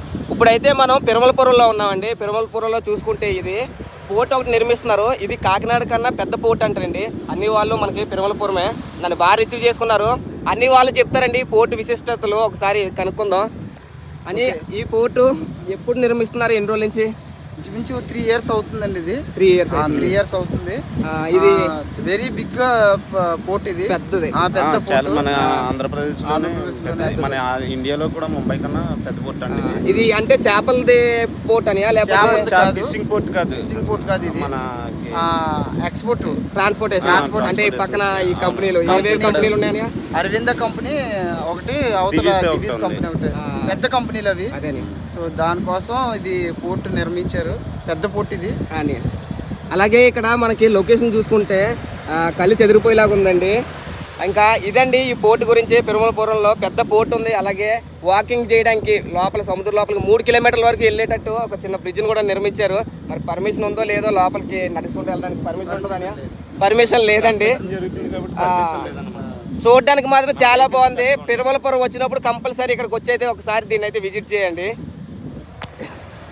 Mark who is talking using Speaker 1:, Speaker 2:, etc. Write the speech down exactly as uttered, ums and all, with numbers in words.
Speaker 1: ఇప్పుడైతే మనం పెరుమలపురంలో ఉన్నామండి. పెరుమలపురంలో చూసుకుంటే ఇది పోర్ట్ ఒకటి నిర్మిస్తున్నారు. ఇది కాకినాడ కన్నా పెద్ద పోర్ట్ అంటారండి. అన్ని వాళ్ళు మనకి పెరుమలపురమే. నన్ను బాగా రిసీవ్ చేసుకున్నారు. అన్ని వాళ్ళు చెప్తారండి పోర్టు విశిష్టతలు, ఒకసారి కనుక్కుందాం అని. ఈ పోర్టు ఎప్పుడు నిర్మిస్తున్నారు, ఎన్ని రోజుల నుంచి?
Speaker 2: ఇంచుమించు త్రీ ఇయర్స్ అవుతుందండి. ఇది
Speaker 1: త్రీ ఇయర్స్
Speaker 2: త్రీ ఇయర్స్ అవుతుంది.
Speaker 1: ఇది
Speaker 2: వెరీ బిగ్ పోర్ట్, ఇది
Speaker 1: పెద్దది.
Speaker 2: పెద్ద
Speaker 3: చాలా మన ఆంధ్రప్రదేశ్ మన ఇండియాలో కూడా ముంబై కన్నా పెద్ద పోర్ట్ అండి
Speaker 1: ఇది. అంటే చేపలది పోర్ట్ అని, లేకపోతే
Speaker 3: ఫిషింగ్ పోర్ట్ కాదు,
Speaker 2: ఫిషింగ్ పోర్ట్ కాదు, ఇది
Speaker 3: మన
Speaker 2: ఎక్స్పోర్ట్
Speaker 1: ట్రాన్స్పోర్టేషన్. అంటే ఈ పక్కన ఈ కంపెనీలు ఏవేవి కంపెనీలు ఉన్నాయని,
Speaker 2: అరవింద కంపెనీ ఒకటి, అవతల దివీస్ కంపెనీ ఒకటి, పెద్ద కంపెనీలు అవి. సో దానికోసం ఇది పోర్ట్ నిర్మించారు, పెద్ద పోర్ట్ ఇది
Speaker 1: అని. అలాగే ఇక్కడ మనకి లొకేషన్ చూసుకుంటే కళ్ళు చెదిరిపోయేలాగా ఉందండి. ఇంకా ఇదండి ఈ పోర్ట్ గురించి. పెరుమలపురంలో పెద్ద పోర్ట్ ఉంది. అలాగే వాకింగ్ చేయడానికి లోపల సముద్రం లోపలికి మూడు కిలోమీటర్ల వరకు వెళ్ళేటట్టు ఒక చిన్న బ్రిడ్జ్ని కూడా నిర్మించారు. మరి పర్మిషన్ ఉందో లేదో, లోపలికి నడుచుకుంటూ వెళ్ళడానికి పర్మిషన్ ఉంటుందని? పర్మిషన్ లేదండి. చూడడానికి మాత్రం చాలా బాగుంది. పెరుమలపురం వచ్చినప్పుడు కంపల్సరీ ఇక్కడికి వచ్చి అయితే ఒకసారి దీన్ని అయితే విజిట్ చేయండి.